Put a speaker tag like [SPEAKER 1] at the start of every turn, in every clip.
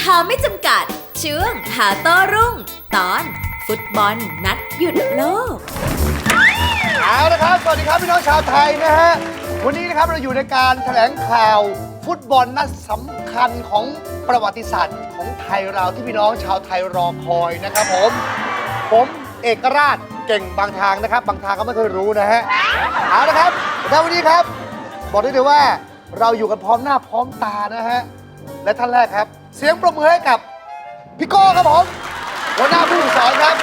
[SPEAKER 1] หาไม่จำกัดช่วงหาโต้รุ่งตอนฟุตบอลนัดหยุดโลก
[SPEAKER 2] เอาละครับสวัสดีครับพี่น้องชาวไทยนะฮะวันนี้นะครับเราอยู่ในการแถลงข่าวฟุตบอลนัดสำคัญของประวัติศาสตร์ของไทยเราที่พี่น้องชาวไทยรอคอยนะครับผมเอกราชเก่งบางทางนะครับบางทางก็ไม่เคยรู้นะฮะเอาละครับแล้ววันนี้ครับบอกได้เลยว่าเราอยู่กันพร้อมหน้าพร้อมตานะฮะและท่านแรกครับเสียงปรบมือให้กับพี่โก้ครับผมหัวหน้าผู้ฝึกสอนครับ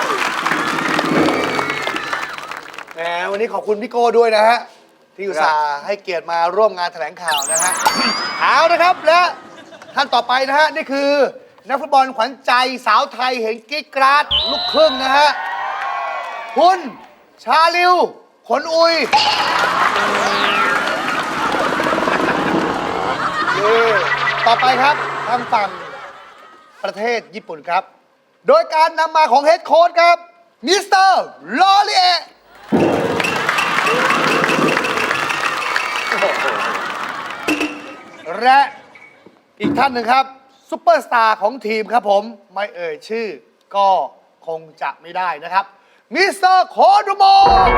[SPEAKER 2] แหมวันนี้ขอบคุณพี่โก้ด้วยนะฮะที่อุตส่าห์ให้เกียรติมาร่วมงานแถลงข่าวนะฮะเอานะครับและท่านต่อไปนะฮะนี่คือนักฟุตบอลขวัญใจสาวไทยเห็นกิ๊กกราดลูกครึ่งนะฮะคุณชาลิวขนอุยต่อไปครับทางฝั่งประเทศญี่ปุ่นครับโดยการนำมาของเฮดโค้ชครับมิสเตอร์ลอรีเอและอีกท่านหนึ่งครับซุปเปอร์สตาร์ของทีมครับผมไม่เอ่ยชื่อก็คงจะไม่ได้นะครับมิสเตอร์โคดูโม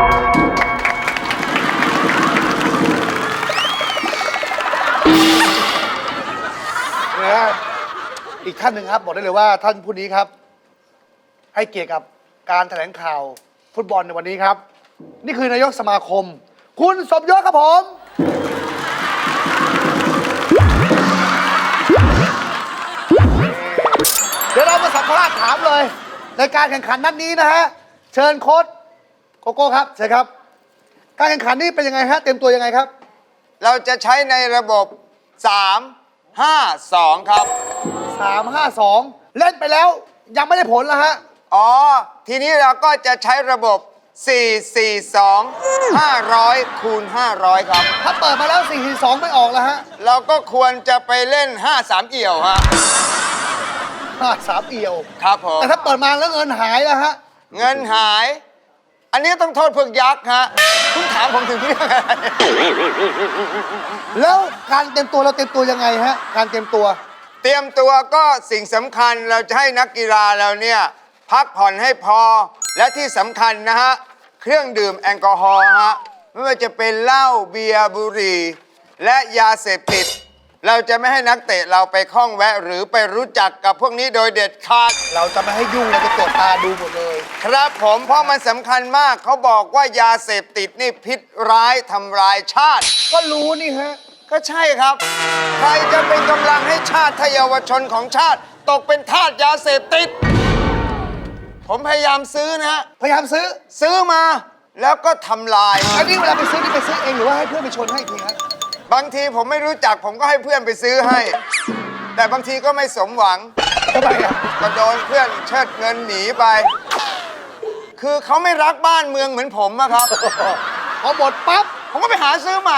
[SPEAKER 2] อีกท่านหนึ่งครับบอกได้เลยว่าท่านผู้นี้ครับให้เกียรติกับการแถลงข่าวฟุตบอลในวันนี้ครับนี่คือนายกสมาคมคุณสมยศครับผมเดี๋ยวเรามาสัมภาษณ์ถามเลยในการแข่งขันนัดนี้นะฮะเชิญโค้ชโกโก้ครับเชิญครับการแข่งขันนี้เป็นยังไงฮะเตรียมตัวยังไงครับ
[SPEAKER 3] เราจะใช้ในระบบ3-5-2 ครับ
[SPEAKER 2] 3-5-2 เล่นไปแล้วยังไม่ได้ผลแล้วฮะ
[SPEAKER 3] อ๋อทีนี้เราก็จะใช้ระบบ4-4-2 500 คูณ 500 ครับ
[SPEAKER 2] ถ้าเปิดมาแล้ว4-4-2ไม่ออกแล้วฮะ
[SPEAKER 3] เราก็ควรจะไปเล่น5-3 เอี่ยวฮะ
[SPEAKER 2] 5-3 เอี่ยว
[SPEAKER 3] ครับผม
[SPEAKER 2] แต่ถ้าเปิดมาแล้วเงินหายแล้วฮะ
[SPEAKER 3] เงินหายอันนี้ต้องโทษพวกยักษ์ฮะคุณถามผมถึงที่ไหน
[SPEAKER 2] แล้วการเตรียมตัวเราเตรียมตัวยังไงฮะการเตรียมตัว
[SPEAKER 3] ก็สิ่งสำคัญเราจะให้นักกีฬาเราเนี่ยพักผ่อนให้พอและที่สำคัญนะฮะเครื่องดื่มแอลกอฮอล์ฮะไม่ว่าจะเป็นเหล้าเบียร์บุหรี่และยาเสพติดเราจะไม่ให้นักเตะเราไปข้องแวะหรือไปรู้จักกับพวกนี้โดยเด็ดขาด
[SPEAKER 2] เราจะไม่ให้ยุ่งเราจะตรวจตาดูหมดเลย
[SPEAKER 3] ครับผมเพราะมันสำคัญมากเขาบอกว่ายาเสพติดนี่พิษร้ายทำลายชาติ
[SPEAKER 2] ก็รู้นี่ฮะ
[SPEAKER 3] ก็ใช่ครับใครจะเป็นกำลังให้ชาติทเยาวชนของชาติตกเป็นทาสยาเสพติดผมพยายามซื้อนะฮะ
[SPEAKER 2] พยายามซื้อ
[SPEAKER 3] มาแล้วก็ทำลาย
[SPEAKER 2] อันนี้เวลาไปซื้อนี่ไปซื้อเองหรือว่าให้เพื่อนไปชนให้ทีฮะ
[SPEAKER 3] บางทีผมไม่รู้จักผมก็ให้เพื่อนไปซื้อให้แต่บางทีก็ไม่สมหวัง
[SPEAKER 2] ทำไมอ่ะ
[SPEAKER 3] ก็โดนเพื่อนเชิดเงินหนีไปคือเขาไม่รักบ้านเมืองเหมือนผมอะครับ
[SPEAKER 2] พอหมดปั๊บ
[SPEAKER 3] ผมก็ไปหาซื้อใหม่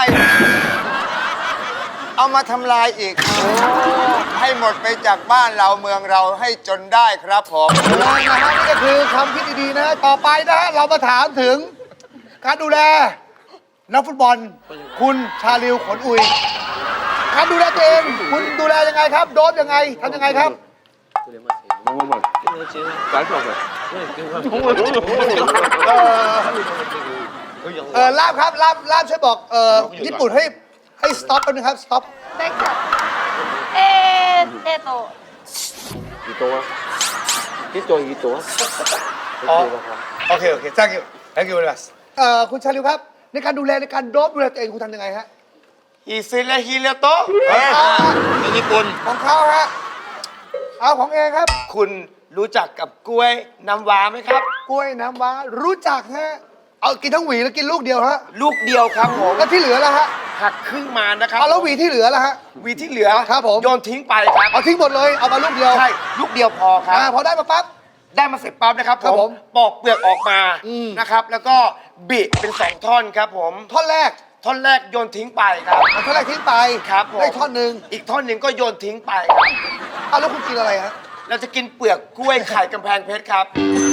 [SPEAKER 3] เอามาทำลายอีกให้หมดไปจากบ้านเราเมืองเราให้จนได้ครับผม
[SPEAKER 2] นะฮะนี่ก็คือคำคิดดีๆนะต่อไปนะฮะเรามาถามถึงการดูแลนักฟุตบอลคุณชาลิวขนอุยการดูแลตัวเองคุณดูแลยังไงครับโดบยังไงทำยังไงครับลาบครับลาบช่วยบอกญี่ปุ่นให้สต็อปแป๊บนึงครับสต็อป
[SPEAKER 4] ได้ค่ะ
[SPEAKER 5] กี่ตัว
[SPEAKER 2] อ๋อโอเคthank you very much คุณชาลิวครับในการดูแลในการโดบดูแลตัวเองคุณทำยังไงฮะ
[SPEAKER 3] ฮิซิเลฮิเลโตะญี่ปุ่น
[SPEAKER 2] ของเขาฮะเอาของเองครับ
[SPEAKER 3] คุณรู้จักกับกล้วยน้ำว้าไหมครับ
[SPEAKER 2] กล้วยน้ำว้ารู้จักฮะเอากินทั้งหวีแล้วกินลูกเดียวฮะ
[SPEAKER 3] ลูกเดียวครับผม
[SPEAKER 2] แล้วที่เหลือล่ะฮะ
[SPEAKER 3] หักครึ่งมานะครับ
[SPEAKER 2] เอาแล้วหวีที่เหลือล่ะฮะ
[SPEAKER 3] หวีที่เหลือ
[SPEAKER 2] ครับผม
[SPEAKER 3] โยนทิ้งไปครับ
[SPEAKER 2] เอาทิ้งหมดเลยเอามาลูกเดียว
[SPEAKER 3] ใช่ลูกเดียวพอครับ
[SPEAKER 2] พอได้มาปั๊บ
[SPEAKER 3] ได้มาเสร็จปั๊บนะครับผมปอกเปลือกออกมานะครับแล้วก็บิเป็น2ท่อนครับผม
[SPEAKER 2] ท่อนแรก
[SPEAKER 3] โยนทิ้งไปครับ
[SPEAKER 2] ท่อนแรกทิ้งไป
[SPEAKER 3] ครับผม
[SPEAKER 2] ได้ท่อนหนึ่ง
[SPEAKER 3] อีกท่อนหนึ่งก็โยนทิ้งไปครับ
[SPEAKER 2] เอาแล้วคุณกินอะไรฮะ
[SPEAKER 3] เราจะกินเปลือกกล้วยไข่กำแพงเพชรครับ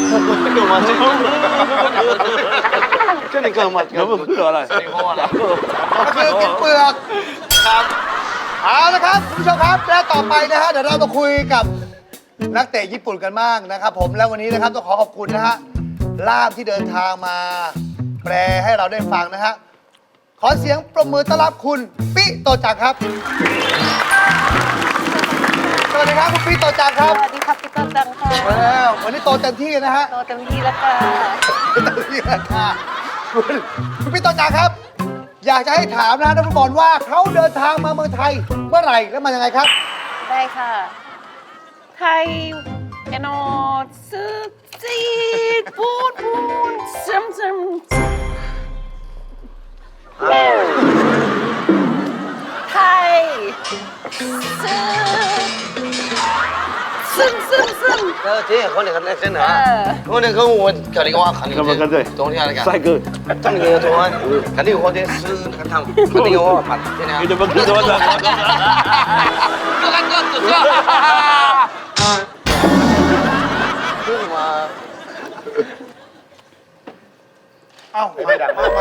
[SPEAKER 5] ก็นี่เกิดมาแล้วมันคืออะไร
[SPEAKER 2] ก็คือกินเปลือก
[SPEAKER 3] ครับ
[SPEAKER 2] เอาละครับคุณผู้ชมครับและต่อไปนะฮะเดี๋ยวเรามาคุยกับนักเตะญี่ปุ่นกันบ้างนะครับผมแล้ววันนี้นะครับต้องขอขอบคุณนะฮะล่ามที่เดินทางมาแปลให้เราได้ฟังนะฮะขอเสียงปรบมือต้อนรับคุณปิโตจักรครับสวัสดีครับคุณปิโตจักรครับ
[SPEAKER 4] สวัสดีครับพี่ต้นจังค่ะ
[SPEAKER 2] แล้ววันนี้โตเต็มที่นะฮะ
[SPEAKER 4] โตเต็มที่แล้วค่ะ
[SPEAKER 2] เต็มที่แล้วค่ะคุณปิโตจักรครับ อยากจะให้ถามนะนักฟุตบอลว่าเขาเดินทางมาเมืองไทยเมื่อไหร่และมายังไงครับ
[SPEAKER 4] ได้ค่ะ ไทยเอนอซึกจีดพูดซึมไทยซึม
[SPEAKER 5] 这也和那个那真的，我那个我看那个我看那个冬天那个，帅哥，他那个冬天看那个我的是那个汤，看那个我看真的。你怎么知道的？我看这这。为什么？
[SPEAKER 2] เอ้าไม่ดังมากไป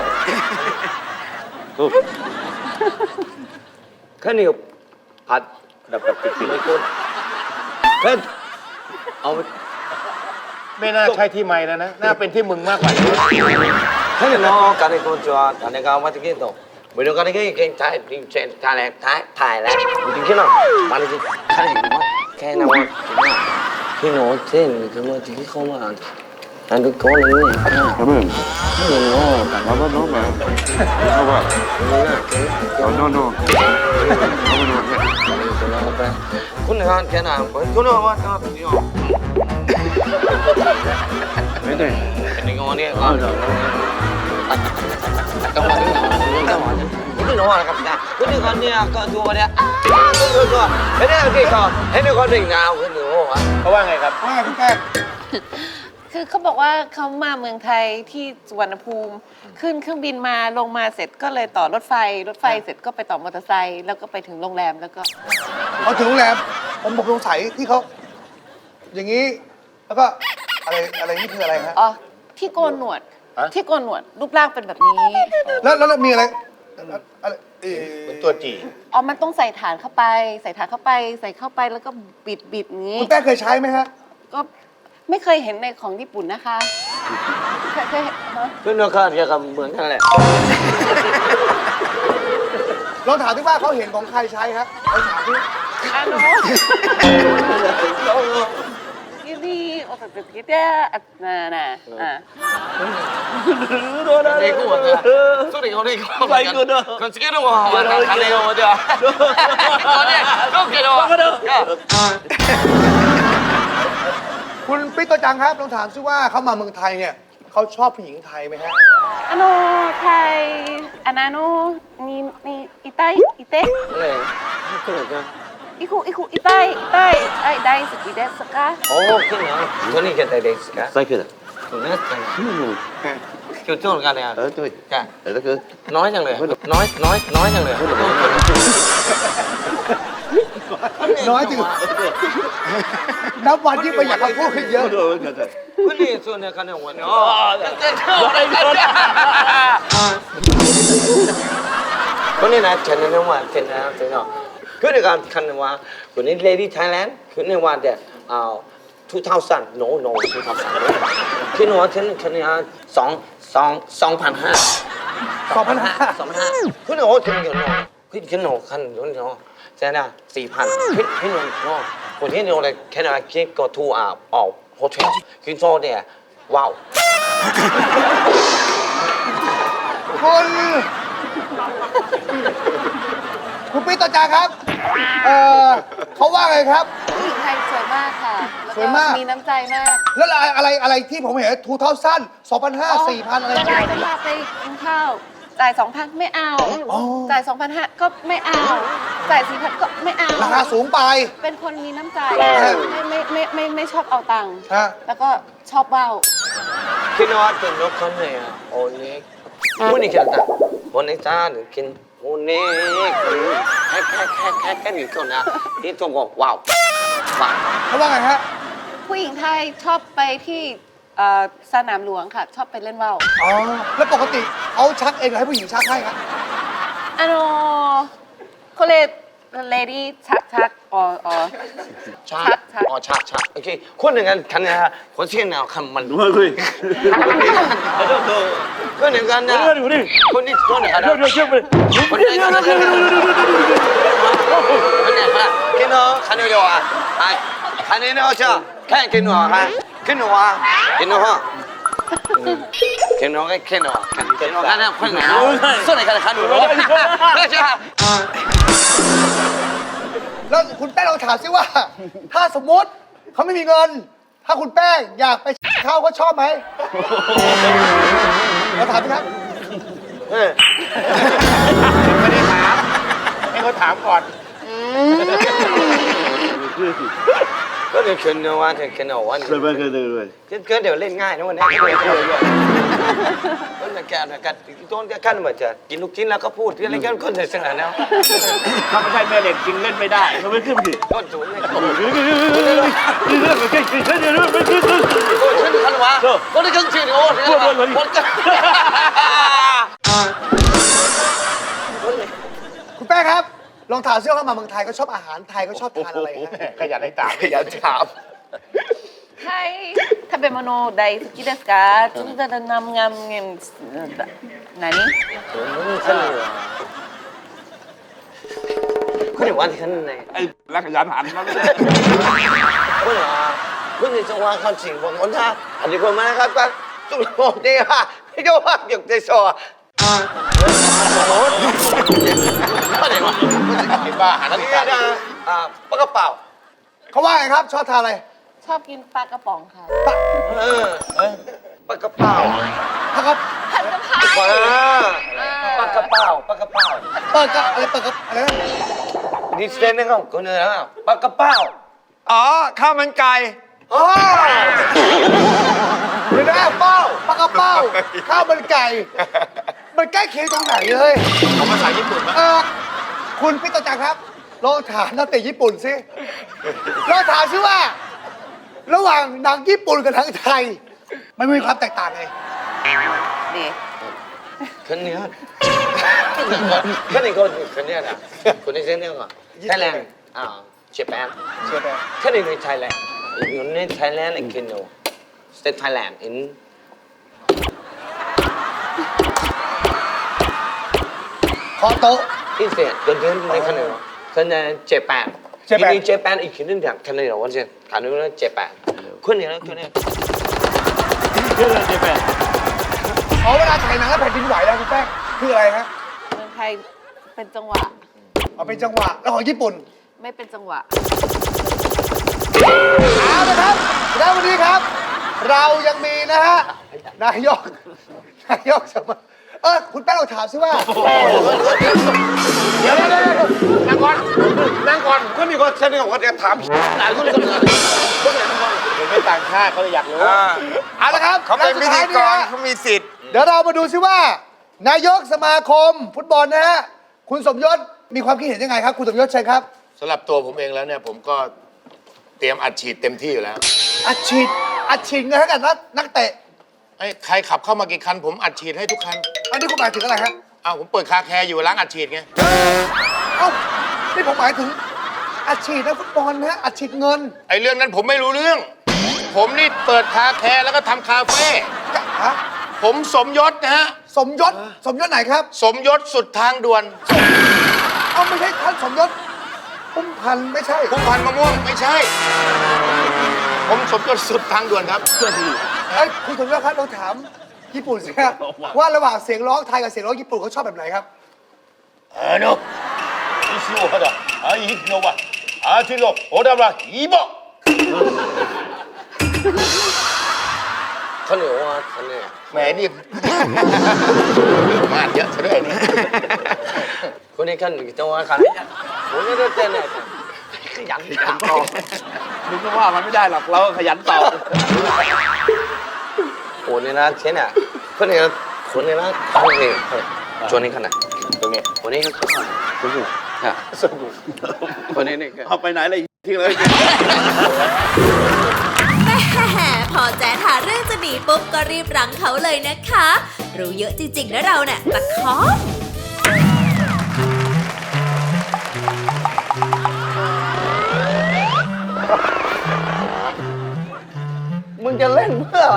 [SPEAKER 5] 看那个ผัดแบบติดๆไม่ก้นเฮ้ยเอา
[SPEAKER 6] ไม่น่าใช่ที่ไม้แล้วนะ น่าเป็นที่มึงมากกว่า
[SPEAKER 5] เฮ้ยน้องการในตัวจัวการในการว่าที่กินต่อไม่รู้การในการถ่ายแล้วจริงๆเนาะมันจะถ่ายว่าแค่นั้นว่าพี่โน้ตเส้นคือว่าที่เขามาอันดูก้อนเลยเนี่ยไม่เห็นว่าแต่ว่าน้องมาเอาว่าnoคุณงานแค่นั้นคุณว่าทำนี่ไม่ได้เป็นงานเนี่ยก็ต้องมาที่คุณน้องนะครับจ้าคุณงานเนี่ยก็ดูว่าเนี่ยก็ไม่ได้ที่เขาให้ดูคนเป็นงานคุณดูว่า
[SPEAKER 6] เขาว่าไงครับ
[SPEAKER 2] ว่าไงคุณแป้ง
[SPEAKER 4] คือเขาบอกว่าเขามาเมืองไทยที่สุวรรณภูมิขึ้นเครื่องบินมาลงมาเสร็จก็เลยต่อรถไฟเสร็จก็ไปต่อมอเตอร์ไซค์แล้วก็ไปถึงโรงแรมแล้วก็
[SPEAKER 2] เขาถึงโรงแรมผมบอกสงสัยที่เขาอย่างนี้แล้วก็อะไรนี่คืออะไรฮะ
[SPEAKER 4] อ๋อที่โกนหนวดที่โกนหนวดรูปร่างเป็นแบบนี้
[SPEAKER 2] แล้วมีอะไรอะไร
[SPEAKER 6] เป็นตัวจี
[SPEAKER 4] อ๋อมันต้องใส่ฐานเข้าไปใส่เข้าไปแล้วก็บิดอย่างนี้
[SPEAKER 2] คุณแป้งเคยใช้ไหมฮะ
[SPEAKER 4] ก็ไม่เคยเห็นในของญี่ปุ่นนะคะเคยเห็นฮะ
[SPEAKER 5] คุณน้องก็จะกับเหมือนกันแหละ
[SPEAKER 2] ลองถามที่ว่าเขาเห็นของใครใช้ครับลองถามที่
[SPEAKER 4] อ่ะโน้นี่โอ้แต่คิดเนี่ยน่ะอ่ะ
[SPEAKER 5] ในกูว่าจะสุดที่เขาได้เขาไปกูเนอะคนสกิลว่าว่าทำในกูเดียวคนเนี่ยก็เกิดว่า
[SPEAKER 2] คุณปิ๊กโตจังครับลองถามซิว่าเขามาเมืองไทยเนี่ยเขาชอบผู้หญิงไทยไหมฮะ
[SPEAKER 4] あのไทยอันนั้นนี่อีไตอีเต
[SPEAKER 5] อะไรขึ้นหรอจ๊ะ
[SPEAKER 4] อีไตไอ้ได้สกีเดสกะ
[SPEAKER 5] โอ้ขึ้นเหรอตัวนี้แค่ได้เด็กสิคะใช่ขึ้นตัวนี้กันจุดจุดกันเนี่ยจุดกันแล้วคือน้อยจังเลยน้อยจังเลย
[SPEAKER 2] น้อยจริงนับวันที่ประหยัดคำพูดขึ้นเยอะ
[SPEAKER 5] คุณนี่ส่วนเนี่ยกันเนี่ยวันนี้อ๋อคนนี้นะฉันเนี่ยว่าฉันนะคือในการคันว่าคนนี้ Lady Thailand คือในวันเดียว2000 no 2000คือในวันฉันเนี่ย2,500 คือในวันฉันเนี่ยคือในคันเนี่ยใช่ไหม4,000พี่น้องคนที่เนี่ยแค่ไหนคิดก็ทูโฮเทลคือโซเนี่ยว้าว
[SPEAKER 2] คุณปิ๊กโตจังครับเขาว่าไงครับ
[SPEAKER 4] ผู้หญิงไทยสวยมากค่ะ
[SPEAKER 2] สวยมาก
[SPEAKER 4] มีน้ำใจมาก
[SPEAKER 2] แล้วอะไรที่ผมเห็นทูเท่าสั้น2,500 4,000อะไร
[SPEAKER 4] เวลาจะพาไปกินข้าวจ่าย 2,000 ไม่เอาจ่าย 2,500 ก็ไม่เอาจ่าย 4,000 ก็ไม่เอา
[SPEAKER 2] ราคาสูงไป
[SPEAKER 4] เป็นคนมีน้ำใจไม่ชอบเอาตังค์
[SPEAKER 2] ฮะ
[SPEAKER 4] แล้วก็ชอบว่าว
[SPEAKER 5] คิดว่าเป็นนกคนไหนอ่ะโอ้นี่วันนี้แค่ไหนวันนี้จ้าหรือกินวันนี้แค่หนึ่งคนนะที่ตรงกับว้าว
[SPEAKER 2] เขาว่าไงฮะ
[SPEAKER 4] ผู้หญิงไทยชอบไปที่สนามหลวงค่ะ ชอบไปเล่นว่าว
[SPEAKER 2] อ๋อ แล้วปกติเขาชักเองหรือให้ผู้หญิงชักให้ครับ
[SPEAKER 4] あのこれレディーชักอ๋อ
[SPEAKER 5] ชั
[SPEAKER 4] ชัก
[SPEAKER 5] อ๋อชักโอเคคนหนึ่งกันคันนะฮะคนเชี่ยนเอาคำมันด้วยคนหนึ่งกันนะคนนี้คนหนึ่งกันคนนี้คนนี้คนน้องคันนี้เดียวอ่ะคันนี้เนาะจ้ะแค่กินหนูฮะกินหนูฮะกินหนูฮะกินหนูก็กินหนูกินหนูกันนะคนไหนส่วนไหนกันคันหนูไม่ใช่
[SPEAKER 2] แล้วคุณแป้งลองถามซิว่า ถ้าสมมติเขาไม่มีเงิน ถ้าคุณแป้งอยากไปเข้าก็ชอบไหมเราถามสิครับ
[SPEAKER 6] ไม่ได้ถามให้เขาถามก่อน
[SPEAKER 5] ก็เดี๋ยวคืนนะว่าเดี๋ยววันก็เดี๋ยวเล่นง่ายนะวันนี้ก็จะแก่กันต้นแก่กันเหมือนจะกินลูกชิ้นแล้วก็พูดอะไรกันคนเสร็จสนาแล้ว
[SPEAKER 6] ถ้าไม่ใช่แม่เหล็กจริงเล่นไม่ได้เขาไม่ขึ้นดิ
[SPEAKER 5] ต้นสูงเลยขึ้นขันวะคนที่ขึ้นชื่อโอ้ยคนก็
[SPEAKER 2] คุณแป้งครับ ลองถามซิว่าเขามาเมืองไทยเขาชอบอาหารไทยเขาชอบทานอะไรฮะ
[SPEAKER 6] ขยันให้ถาม
[SPEAKER 5] ขยันถาม
[SPEAKER 4] ใช่ถ้าเป็นโนไดสกิเดสกาจุดจะนำงามเงินไหนนี่
[SPEAKER 5] คนเดี๋ยววันที่ขันไหน
[SPEAKER 6] ไอ้รักขยันหันมาเลย
[SPEAKER 5] คนเหรอคนที่จังหวะเขาจริงผมคนท่าอันนี้คนมานะครับก็จุดโมดีค่ะไม่ก็ว่าเกี่ยวกับโซ่ก็เดี๋ยวว่า
[SPEAKER 6] ไอ้บ้าหัน
[SPEAKER 5] อัน
[SPEAKER 6] นี่
[SPEAKER 5] นี้นะปากกระเป๋า
[SPEAKER 2] เขาว่าไงครับ ชอบทานอะไร
[SPEAKER 4] ชอบกินปลากระป๋องค่ะ
[SPEAKER 5] ปากกระเป๋า
[SPEAKER 2] ถ้าเขา
[SPEAKER 5] ปากกระเป๋าปากกระเป๋า
[SPEAKER 2] เปิดกับอะไรเปิดกับอะไรนะ
[SPEAKER 5] ดิสเซนนะครับคนนึงนะปากกระเป๋า
[SPEAKER 3] อ๋อ ข้าวมันไก่
[SPEAKER 2] อ๋อเดี๋ยวนะเป้าปลากระเป้าข้าวมันไก่ มันใกล้เคียงตรงไหนเลย
[SPEAKER 6] ของภาษาญี่ปุ่นนะ
[SPEAKER 2] คุณพิตจักรครับลองถามนักเตะญี่ปุ่นสิลองถามซิว่า ระหว่างหนังญี่ปุ่นกับหนังไทย มันมีความแตกต่างไง
[SPEAKER 4] ดี
[SPEAKER 5] คนนี้คนนี้คนนี้นะคนนี้เส้นเนี่ยก่อนไทยแลนด์ญี่ปุ่นคนนี้ในไทยแลนด์อยู่ในไทยแลนด์กินโนสเตทไทยแลนด์ in
[SPEAKER 2] ขอโต๊ะ
[SPEAKER 5] in state เดินในคนนี้คนนี้ญี่ปุ่นที่นี่ญี่ปุ่นอีกคนนึงอย่างคนนี้เราวันเสาร์คนนี้นะญี่ปุ่นคนนี้นะคนนี้
[SPEAKER 2] อ๋อเวลาถ่ายหนังแล้วแผ่นดินไหวแล้วคุณแป้งคืออะไรฮะ
[SPEAKER 4] เมืองไทยเป็นจังหวะ
[SPEAKER 2] เอาเป็นจังหวะแล้วของญี่ปุ่น
[SPEAKER 4] ไม่เป็นจังหวะ
[SPEAKER 2] เอาละครับแล้ววันนี้ครับ เรายังมีนะฮะนายกสมัยคุณแป้งเราถามซิว่า
[SPEAKER 6] เดี๋ยวนั่งก่อนนั่งก่อน
[SPEAKER 5] คนนี้ก็เส้นนี้เขาจะถามหลายคนเลยคนไหนคน
[SPEAKER 6] เห็นไม่ต่างชาติเขาเลยอยากรู้
[SPEAKER 2] เอาละครับ
[SPEAKER 3] เขาเป็นพิธีกร
[SPEAKER 2] และสุดท้าย
[SPEAKER 3] เขามีสิทธิ์
[SPEAKER 2] เดี๋ยวเรามาดูซิว่า นายกสมาคมฟุตบอลนะฮะคุณสมยศมีความคิดเห็นยังไงครับ คุณสมยศเชิญครับ
[SPEAKER 6] สำหรับตัวผมเองแล้วเนี่ยผมก็เตรียมอัดฉีดเต็มที่อยู่แล้ว
[SPEAKER 2] อัดฉีดเงินให้กับนักเตะ
[SPEAKER 6] ไอ้ใครขับเข้ามากี่คันผมอัดฉีดให้ทุกคัน
[SPEAKER 2] อันนี้คุณหมายถึงอะไรฮะ
[SPEAKER 6] อ้าวผมเปิดคาแคร์อยู่ล้างอัดฉีดไง
[SPEAKER 2] เอ้านี่ผมหมายถึงอัดฉีดนักฟุตบอลนะฮะอัดฉีดเงิน
[SPEAKER 6] ไอ้เรื่องนั้นผมไม่รู้เรื่อง ผมนี่เปิดคาแคร์แล้วก็ทำคาเฟ่
[SPEAKER 2] ฮะ
[SPEAKER 6] ผมสมยศนะฮะ
[SPEAKER 2] สมยศไหนครับ
[SPEAKER 6] สมยศสุดทางด่วน
[SPEAKER 2] เอ้าไม่ใช่ท่านสมยศพุ่มพันธุ์ไม่ใช่
[SPEAKER 6] พุ่มพันธุ์มะม่วงไม่ใช่ ผมสมยศสุดทางด่วนครับ
[SPEAKER 2] คุณสมยศครับเราถามญี่ปุ่นสิครับว่าระหว่างเสียงร้องไทยกับเสียงร้องญี่ปุ่นเขาชอบแบบไหนครับ
[SPEAKER 6] โน่อีชิโอฮะดะอีกโนวะที่โลโอดาบะอีโบ
[SPEAKER 5] คนนี้ว่าคนนี้
[SPEAKER 6] แหมนี่ มาดเยอะซะด้วยนี่
[SPEAKER 5] คนนี้กันจังหวะคนนี้คนนี้เต้นเนี่ยขยันต่อ
[SPEAKER 6] มึงก็ว่ามันไม่ได้หรอกเราขยันตอบ
[SPEAKER 5] คนนี้นะเช่นอ่ะคนนี้นะคนนี้จวนนี้ขนาด
[SPEAKER 6] ตรงนี้
[SPEAKER 5] คนนี้สนุกค่ะสนุกคนนี้นี่
[SPEAKER 6] เอาไปไหนเลยทิ้งเลย
[SPEAKER 1] แม่พอแจ๊ดหาเรื่องจะหนีปุ๊บก็รีบรั้งเขาเลยนะคะ รู้เยอะจริงๆนะเราเนี่ยตะคอม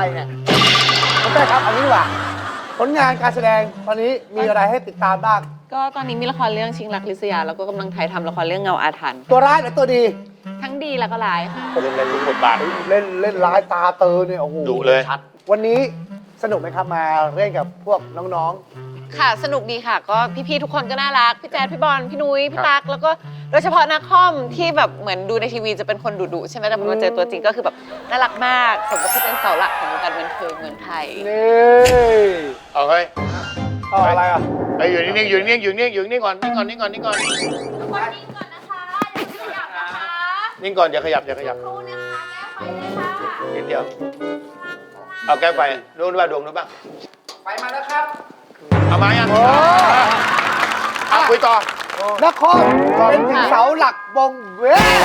[SPEAKER 2] เนี่ยน้องเต้ครับเอางี้ดีกว่าผลงานการแสดงตอนนี้มีอะไรให้ติดตามบ้าง
[SPEAKER 4] ก็ตอนนี้มีละครเรื่องชิงรักลิศยาแล้วก็กำลังถ่ายทำละครเรื่องเงาอาถรรพ์
[SPEAKER 2] ตัวร้ายหรือตัวดี
[SPEAKER 4] ทั้งดีแล้วก็ร้ายค่ะ
[SPEAKER 6] เล่นทุกบทบาท
[SPEAKER 2] เล่นร้ายตาเตอเนี่ยโอ้โห
[SPEAKER 6] ดุเลย
[SPEAKER 2] วันนี้สนุกไหมครับมาเล่นกับพวกน้อง
[SPEAKER 4] ค่ะสนุกดีค่ะ ก็พี่ๆทุกคนก็น่ารักพี่แจ๊ดพี่บอลพี่นุ้ยพี่ตั๊กแล้วก็โดยเฉพาะนักคอมที่แบบเหมือนดูในทีวีจะเป็นคนดุๆใช่ไหมแต่พอมาเจอตัวจริงก็คือแบบน่ารักมากสมกับที่เป็นเสาหลักของวงการบันเทิงเมืองไทย
[SPEAKER 2] ๆนี่
[SPEAKER 6] เอาเฮ้ย
[SPEAKER 2] เอาอะไรอ่ะ
[SPEAKER 6] ไอ้อยู่นิ่งๆอยู่นิ่งๆอยู่นิ่งๆอยู่นิ่งก่อนนิ่งก่อนนิ่งก่อนนิ่งก่อน
[SPEAKER 1] ทุกคนนิ่งก่อนนะคะอย่าขยับนะคะ
[SPEAKER 6] นิ่งก่อนอย่าขยับอย่าขยับ
[SPEAKER 1] ครูนะคะแก้ไฟเลยค่ะ
[SPEAKER 6] นิดเดียวเอาแก้ไฟรู้ว่าดวงรู้บ้าง
[SPEAKER 3] ไปมาแล้วครับ
[SPEAKER 6] เอามายังเอาคุยต่อ
[SPEAKER 2] นครเป็นถึงเสาหลักวงเว้ย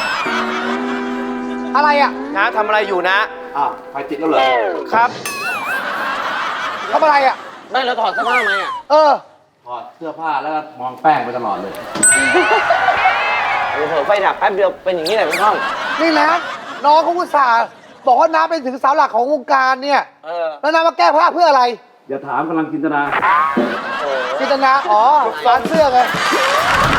[SPEAKER 2] อะไรอ่ะ
[SPEAKER 5] นะทำอะไรอยู่นะ
[SPEAKER 7] ไฟติดแล้วเหรอ
[SPEAKER 5] ครับ
[SPEAKER 2] ทำอะไรอ่ะ
[SPEAKER 5] ไม่แล้วถอดเสื้อผ้าไหมอ่ะ
[SPEAKER 2] เออ
[SPEAKER 7] ถอดเสื้อผ้าแล้วก็มองแป้งไปตลอดเลย
[SPEAKER 5] เผลอไฟดับแป๊บเดียวเป็นอย่างนี้แหละพี่ห้อง
[SPEAKER 2] นี่นะน้องเขาอุตส่าห์บอกว่าน้าเป็นถึงเสาหลักของวงการเนี่ย แล้วน้ามาแก้ผ้าเพื่ออะไร
[SPEAKER 7] อย่าถามกำลังจินตนา
[SPEAKER 2] จินตนาอ๋อร้านเสื้อไง